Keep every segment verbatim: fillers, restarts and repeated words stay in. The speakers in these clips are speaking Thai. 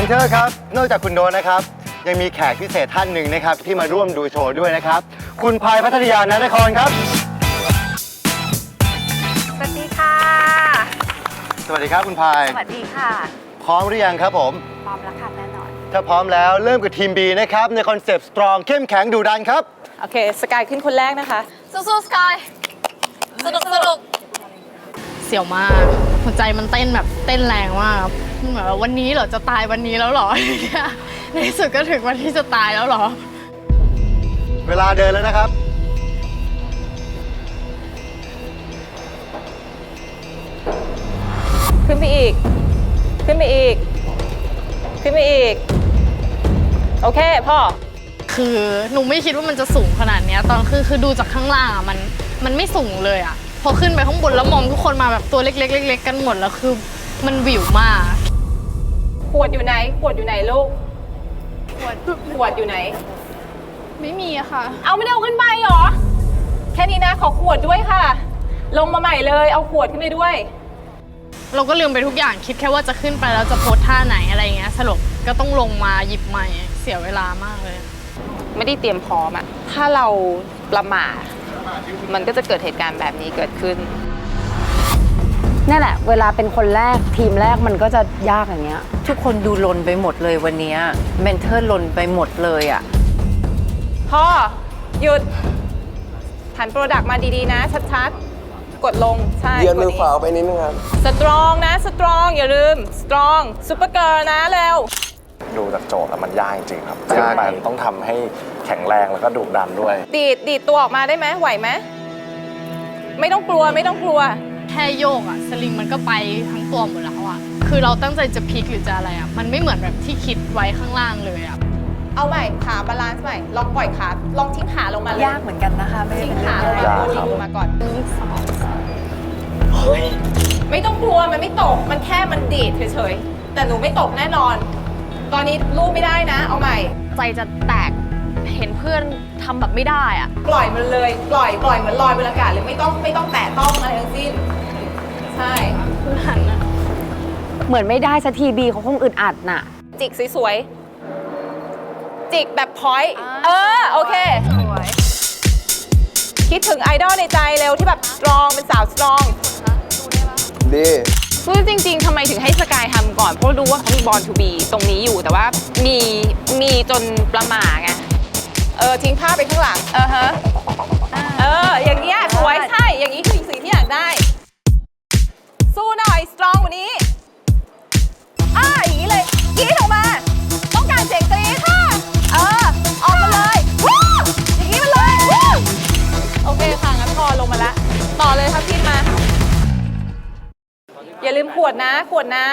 นเทอร์ครับนอกจากคุณโดนนะครับยังมีแขกพิเศษท่านหนึ่งนะครับที่มาร่วมดูโชว์ด้วยนะครับคุณพายพัทยานนครครับสวัสดีค่ะสวัสดีครับคุณพายสวัสดีค่ะพร้อมหรือยังครับผมพร้อมแล้วค่ะแน่นอนถ้าพร้อมแล้วเริ่มกับทีม B นะครับในคอนเซปต์ strong เข้มแข็งดุดันครับโอเคสกายขึ้นคนแรกนะคะสู้ๆสกายสนุกสนุกเสี่ยวมากหัวใจมันเต้นแบบเต้นแรงมากเหมือนวันนี้เหรอจะตายวันนี้แล้วเหรอในที่สุดก็ถึงวันที่จะตายแล้วเหรอเวลาเดินแล้วนะครับขึ้นไปอีกขึ้นไปอีกขึ้นไปอีกโอเคพ่อคือหนูไม่คิดว่ามันจะสูงขนาดนี้ตอนคือคือดูจากข้างล่างอ่ะมันมันไม่สูงเลยอ่ะพอขึ้นไปข้างบนแล้วมองทุกคนมาแบบตัวเล็กๆเล็กๆกันหมดแล้วคือมันวิวมากขวดอยู่ไหนขวดอยู่ไหนลูกขวดขวดอยู่ไหนไม่มีอะค่ะเอาไม่ได้เอาขึ้นไปหรอแค่นี้นะขอขวดด้วยค่ะลงมาใหม่เลยเอาขวดขึ้นไปด้วยเราก็ลืมไปทุกอย่างคิดแค่ว่าจะขึ้นไปแล้วจะโพสท่าไหนอะไรเงี้ยสรุปก็ต้องลงมาหยิบใหม่เสียเวลามากเลยไม่ได้เตรียมพร้อมอะถ้าเราประมาทมันก็จะเกิดเหตุการณ์แบบนี้เกิดขึ้นนั่นแหละเวลาเป็นคนแรกทีมแรกมันก็จะยากอย่างเงี้ยทุกคนดูลนไปหมดเลยวันนี้เมนเทอร์ลนไปหมดเลยอ่ะพ่อหยุดหันโปรดักต์มาดีๆนะชัดๆกดลงใช่เยือนมือขวาไปนิดนึงครับสตรองนะสตรองอย่าลืมสตรองซุปเปอร์เกิร์ลนะเร็วดูจากโจทย์แล้วมันยากจริงๆครับยากมันต้องทำให้แข็งแรงแล้วก็ดุดันด้วยดีดดีดตัวออกมาได้ไหมไหวไหมไม่ต้องกลัวไม่ต้องกลัวแค่โยกอะสลิงมันก็ไปทั้งตัวหมดแล้วอะคือเราตั้งใจจะพลิกหรือจะอะไรอะมันไม่เหมือนแบบที่คิดไว้ข้างล่างเลยอะเอาใหม่ขาบาลานซ์ใหม่ลองปล่อยขาลองทิ้งขาลงมาเลยยากเหมือนกันนะคะไม่ได้ทิ้งขาลงมาลงมาก่อนสองไม่ต้องกลัวมันไม่ตกมันแค่มันดีดเฉยๆแต่หนูไม่ตกแน่นอนตอนนี้ลูบไม่ได้นะเอาใหม่ใจจะแตกเห็นเพื่อนทำแบบไม่ได้อะปล่อยมันเลยปล่อยปล่อยเหมือนลอยบนอากาศเลยไม่ต้องไม่ต้องแตะต้องอะไรทั้งสิ้นใช่คุณหันนะเหมือนไม่ได้สักทีบีเขาคงอึดอัดน่ะจิกสวยๆจิกแบบพอยต์เออโอเคคิดถึงไอดอลในใจเร็วที่แบบสตรองเป็นสาวสตรองดีคือจริงๆทำไมถึงให้สกายทำก่อนเพราะรู้ว่าเขามีบอลทูบีตรงนี้อยู่แต่ว่ามีมีจนประหม่าไงเออทิ้งผ้าไปข้างหลังเออฮะเอออย่างเงี้ยสวยใช่อย่างนี้คือสิ่งที่อยากได้สู้หน่อยสตรองกว่านี้อ่าอย่างนี้เลยกรี๊ดออกมาต้องการเสียงกรี๊ดค่ะเออออกมาเลยวู้อย่างนี้มาเลยวู้โอเคค่ะงั้นพอลงมาละต่อเลยครับพี่มาอย่าลืมขวดนะขวดน้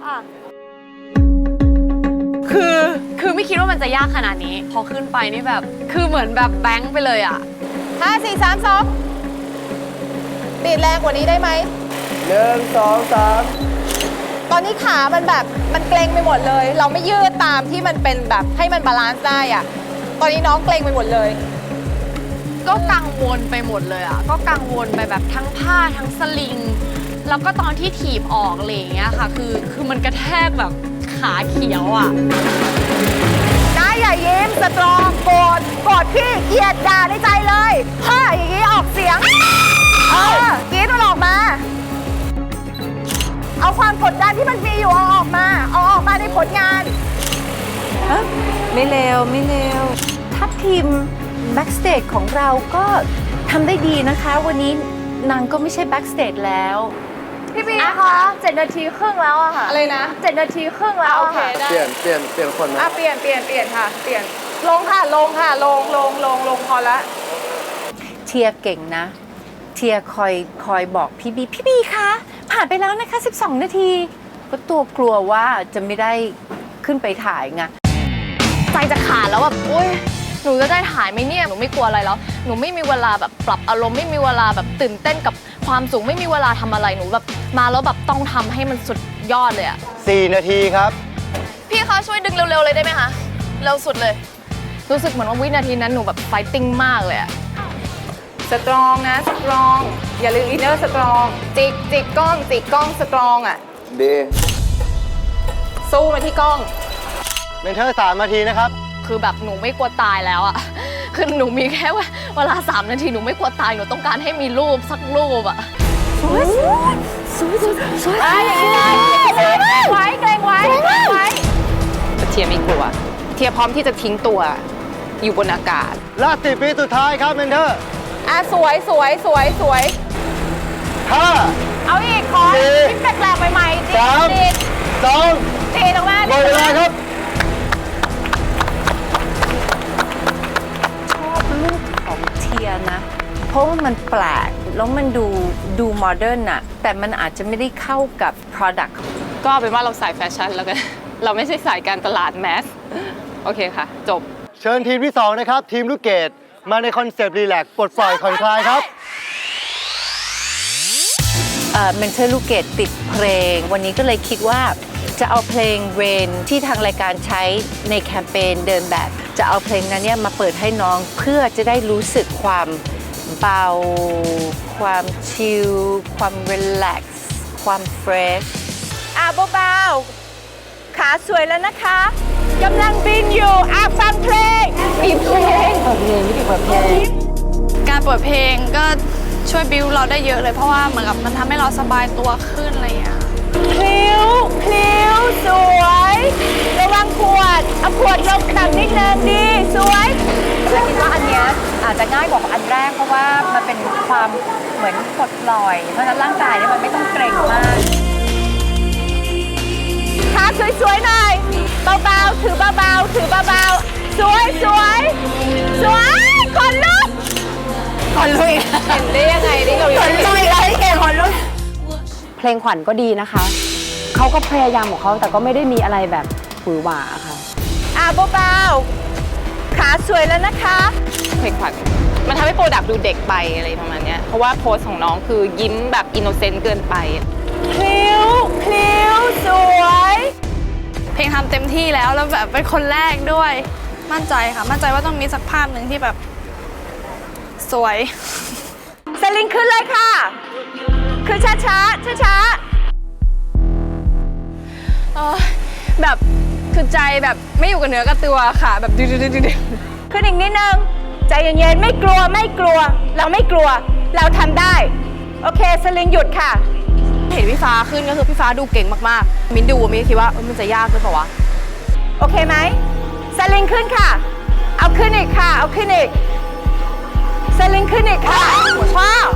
ำคือคือไม่คิดว่ามันจะยากขนาดนี้พอขึ้นไปนี่แบบคือเหมือนแบบแบงค์ไปเลยอ่ะห้าสี่สามสองบีบแรงกว่านี้ได้ไหมหนึ่งสองสามตอนนี้ขามันแบบมันเกร็งไปหมดเลยเราไม่ยืดตามที่มันเป็นแบบให้มันบาลานซ์ได้อ่ะตอนนี้น้องเกร็งไปหมดเลยก็กังวลไปหมดเลยอ่ะก็กังวลไปแบบทั้งผ้าทั้งสลิงแล้วก็ตอนที่ถีบออกอะไรอย่างเงี้ยค่ะคือคือมันกระแทกแบบขาเขียวอ่ะได้อย่ายิ้มสตรองโกรธโกรธพี่เกลียดด่าในใจเลยพ่ออย่างนี้ออกเสียงเออกรี๊ดมันออกมาเอาความกดดันที่มันมีอยู่เอาออกมาเอาออกมาในผลงานไม่เลวไม่เลวทัพทีมแบ็กสเตจของเราก็ทำได้ดีนะคะวันนี้นางก็ไม่ใช่แบ็กสเตจแล้วพี่บีคะเจ็ดนาทีครึ่งแล้วอะค่ะอะไรนะเจ็ดนาทีครึ่งแล้วโอเคได้เปลี่ยนเปลี่ยนเปลี่ยนคนนะอ่ะเปลี่ยนเปลี่ยนเปลี่ยนค่ะเปลี่ยนลงค่ะลงค่ะลงลงลงลงพอละเทียเก่งนะเทียคอยคอยบอกพี่บีพี่บีคะผ่านไปแล้วนะคะสิบสองนาทีก็ตัวกลัวว่าจะไม่ได้ขึ้นไปถ่ายไงใจจะขาดแล้วแบบโอ๊ยหนูจะได้ถ่ายไหมเนี่ยหนูไม่กลัวอะไรแล้วหนูไม่มีเวลาแบบปรับอารมณ์ไม่มีเวลาแบบตื่นเต้นกับความสูงไม่มีเวลาทำอะไรหนูแบบมาแล้วแบบต้องทำให้มันสุดยอดเลยอะสี่นาทีครับพี่คะช่วยดึงเร็วๆเลยได้ไหมคะเร็วสุดเลยรู้สึกเหมือนว่าวินาทีนั้นหนูแบบไฟติ้งมากเลยอะสตรองนะสตรองอย่าลืมอินเนอร์สตรองจิกจิกกล้องจิกกล้องสตรองอ่ะดีสู้มาที่กล้องเมนเทอร์สามนาทีนะครับคือแบบหนูไม่กลัวตายแล้วอะ คือหนูมีแค่เวลาสามนาทีหนูไม่กลัวตายหนูต้องการให้มีรูปสักรูปอะสวยสวยสวยสวยอย่างนี้เลยเกรงไว้เกรงไว้เกรงไว้เทียไม่กลัว เทียพร้อมที่จะทิ้งตัวอยู่บนอากาศลาดสิบวิสุดท้ายครับเมนเทอร์อ่ะสวยสวยสวยสวยห้าเอาอีกขอสี่ที่แปลกๆใหม่ๆสามดีดสองดีดออกมาหมดเวลาครับชอบลูกของเทียนะ เพราะว่ามันแปลก แล้วมันดูดูโมเดิร์นอะแต่มันอาจจะไม่ได้เข้ากับ Product ก็เป็นว่าเราสายแฟชั่นแล้วกัน เราไม่ใช่สายการตลาดแมส โอเคค่ะ จบเชิญทีมที่สองนะครับ ทีมลูกเกดมาในคอนเซปต์รีแลกซ์ปลดปล่อยผ่อนคลายครับเอ่อเมนเทอร์ลูกเกดติดเพลง วันนี้ก็เลยคิดว่าจะเอาเพลง Rain ที่ทางรายการใช้ในแคมเปญเดินแบบ จะเอาเพลงนั้นเนี่ยมาเปิดให้น้องเพื่อจะได้รู้สึกความเบา ความชิล ความรีแลกซ์ ความเฟรชอ่ะเบาๆขาสวยแล้วนะคะกำลังบินอยู่อ่ะฟังเพลงมีเพลงการเปิดเพลงก็ช่วยบิวเราได้เยอะเลยเพราะว่าเหมือนกับมันทำให้เราสบายตัวขึ้นอะไรอย่างเงี้ยพลิ้วพลิ้วสวยระวังขวดเอาขวดลงต่ำนิดนึงดีสวยและคิดว่าอันเนี้ยอาจจะง่ายกว่าอันแรกเพราะว่ามันเป็นความเหมือนปลดปล่อย เพราะฉะนั้นร่างกายเนี่ยมันไม่ต้องเกร็งมากขาสวยๆหน่อยเบาๆถือเบาๆถือเบาๆสวยสวยสวยคนลุกคนลุยเห็นได้ยังไงนี่เราคนลุยอะไรเก่งคนลุกเพลงขวัญก็ดีนะคะ เขาก็พยายามของเขาแต่ก็ไม่ได้มีอะไรแบบหวือหวาค่ะอ่ะเบาๆขาสวยแล้วนะคะเพลงขวัญมันทำให้โปรดักต์ดูเด็กไปอะไรประมาณเนี้ยเพราะว่าโพสของน้องคือยิ้มแบบอินโนเซนต์เกินไปพลิ้วพลิ้วสวยเพลงทำเต็มที่แล้วแล้วแบบเป็นคนแรกด้วย มั่นใจค่ะ มั่นใจว่าต้องมีสักภาพหนึ่งที่แบบสวยสลิงขึ้นเลยค่ะ คือช้าช้าช้าช้าเออแบบคือใจแบบไม่อยู่กับเนื้อกับตัวค่ะ แบบดื้อๆๆๆขึ้นอีกนิดนึง ใจเย็นๆ ไม่กลัวไม่กลัว เราไม่กลัว เราทำได้ โอเค สลิงหยุดค่ะเห็นพี่ฟ้าขึ้นก็คือพี่ฟ้าดูเก่งมากๆ มิ้นดูมิ้นคิดว่าเออมันจะยากหรือเปล่าวะโอเคไหมสลิงขึ้นค่ะ เอาขึ้นอีกค่ะ เอาขึ้นอีกสลิงขึ้นอีกค่ะว้าว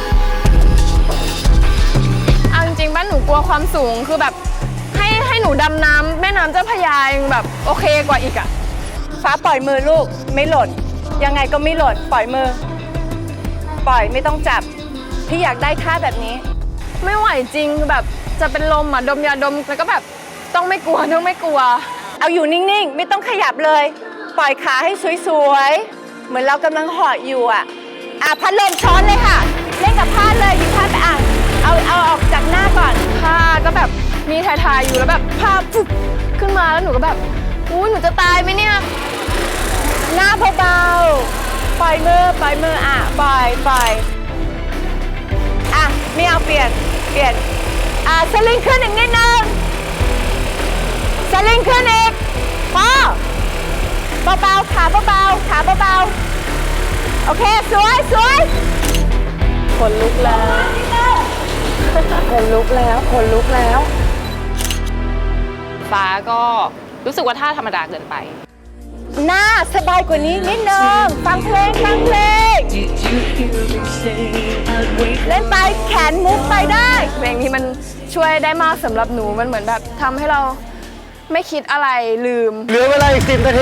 เอาจริงๆบ้านหนูกลัวความสูงคือแบบให้ให้หนูดำน้ำแม่น้ำเจ้าพระยายังแบบโอเคกว่าอีกอะฟ้าปล่อยมือลูก ไม่หล่น ยังไงก็ไม่หล่น ปล่อยมือ ปล่อยไม่ต้องจับ พี่อยากได้ท่าแบบนี้ไม่ไหวจริงคือแบบจะเป็นลมอะดมยาดมแล้วก็แบบต้องไม่กลัวต้องไม่กลัวเอาอยู่นิ่งๆ ไม่ต้องขยับเลย ปล่อยขาให้สวยๆ เหมือนเรากำลังเหาะอยู่อ่ะ อ่ะพัดลมช้อนเลยค่ะ เล่นกับผ้าเลยหยิบผ้าไปอ่ะเอาเอาออกจากหน้าก่อนผ้าก็แบบมีถ่ายๆอยู่แล้วแบบผ้าปุ๊บขึ้นมาแล้วหนูก็แบบอู้หนูจะตายไหมเนี่ยหน้าเบาๆ ปล่อยมือ ปล่อยมืออ่ะ ปล่อยปล่อยอ่ะไม่เอาเปลี่ยน เปลี่ยน อ่ะสลิงขึ้นอีกนิดนึงสลิงขึ้นอีกพอเบาๆ ขาเบาๆ ขาเบาๆ โอเค สวยสวยคนลุกแล้ว คนลุกแล้ว คนลุกแล้วฟ้าก็รู้สึกว่าท่าธรรมดาเกินไปหน้าสบายกว่านี้นิดนึง ฟังเพลง ฟังเพลง เล่นไปแขนมุกไปได้เพลงนี้มันช่วยได้มากสำหรับหนูมันเหมือนแบบทำให้เราไม่คิดอะไรลืมเหลือเวลาอีกสิบนาที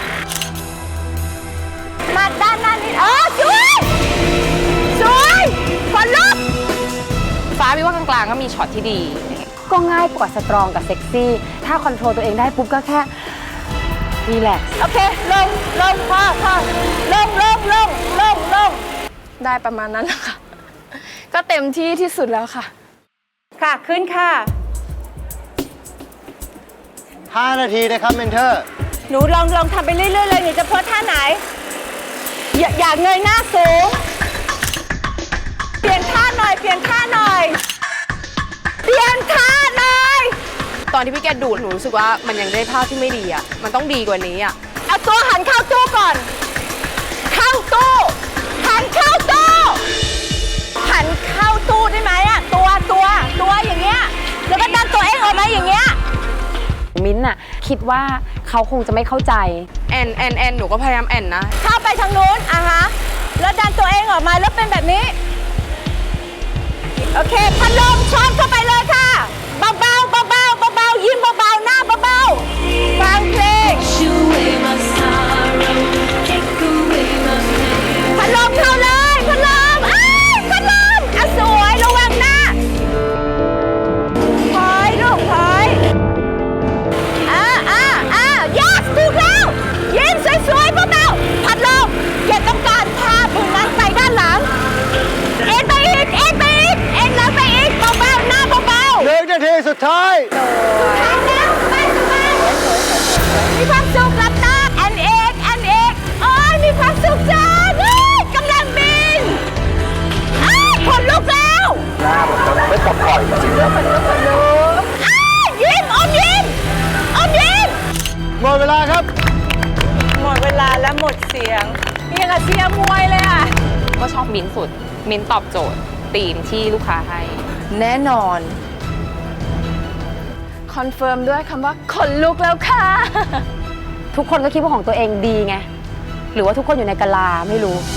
มาด้านหน้านิดเออสวย สวยคนลุกฟ้าพี่ว่ากลางๆก็มีช็อตที่ดีก็ง่ายกว่าสตรองกับเซ็กซี่ ถ้าคอนโทรลตัวเองได้ปุ๊บก็แค่รีแลกซ์โอเค ลง ลงพอพอลงลงลงลงลงได้ประมาณนั้นแหละค่ะ ก็เต็มที่ที่สุดแล้วค่ะค่ะ ขึ้นค่ะห้านาทีนะครับเมนเทอร์หนูลองลองทำไปเรื่อยๆเลยหนูจะโพสท่าไหน อย่าอย่าเงยหน้าสูง เปลี่ยนท่าหน่อย เปลี่ยนท่าหน่อย เปลี่ยนท่าหน่อยตอนที่พี่แกดูดหนูรู้สึกว่ามันยังได้ภาพที่ไม่ดีอ่ะมันต้องดีกว่านี้อ่ะเอาตัวหันเข้าตู้ก่อน เข้าตู้หันเข้าตู้หันเข้าตู้ได้ไหมอะตัวตัวตัวอย่างเงี้ยแล้วก็ดันตัวเองออกมาอย่างเงี้ยมิ้นท์น่ะคิดว่าเขาคงจะไม่เข้าใจแอนแอนแอนหนูก็พยายามแอนนะเข้าไปทางนู้นอ่ะฮะแล้วดันตัวเองออกมาแล้วเป็นแบบนี้โอเคพัดลมช้อนเข้าไปเลยค่ะเบาๆเบาๆเบาๆยิ้มเบาๆหน้าเบาๆฟังเพลงพัดลมเข้าเลยพัดลมอ้ายพัดลมอ่ะสวยระวังหน้าถอยลูกถอยอ่าอ่าอ่า yes ถูกแล้วยิ้มสวยๆเบาๆพัดลมอย่าต้องการพาผืนนั้นไปด้านหลังเอ็นไปอีกเอ็นไปอีกเอ็นแล้วไปอีกเบาๆหน้าเบาๆหนึ่งนาทีสุดท้ายทางแล้วไปสบายมีความสุขหลับตาแอนเอกแอนเอกโอ้ยมีความสุขจังเฮ้ยกำลังบินอ้ายขนลุกแล้วหน้าเหมือนจะไม่ปลดปล่อยจริงๆครับอ้ายยิ้มอมยิ้มอมยิ้มหมดเวลาครับหมดเวลาแล้วหมดเสียงนี่ยังกับเชียร์มวยเลยอ่ะก็ชอบมิ้นท์สุด มิ้นท์ตอบโจทย์ธีมที่ลูกค้าให้แน่นอนคอนเฟิร์มด้วยคำว่าขนลุกแล้วค่ะทุกคนก็คิดว่าของตัวเองดีไง หรือว่าทุกคนอยู่ในกะลาไม่รู้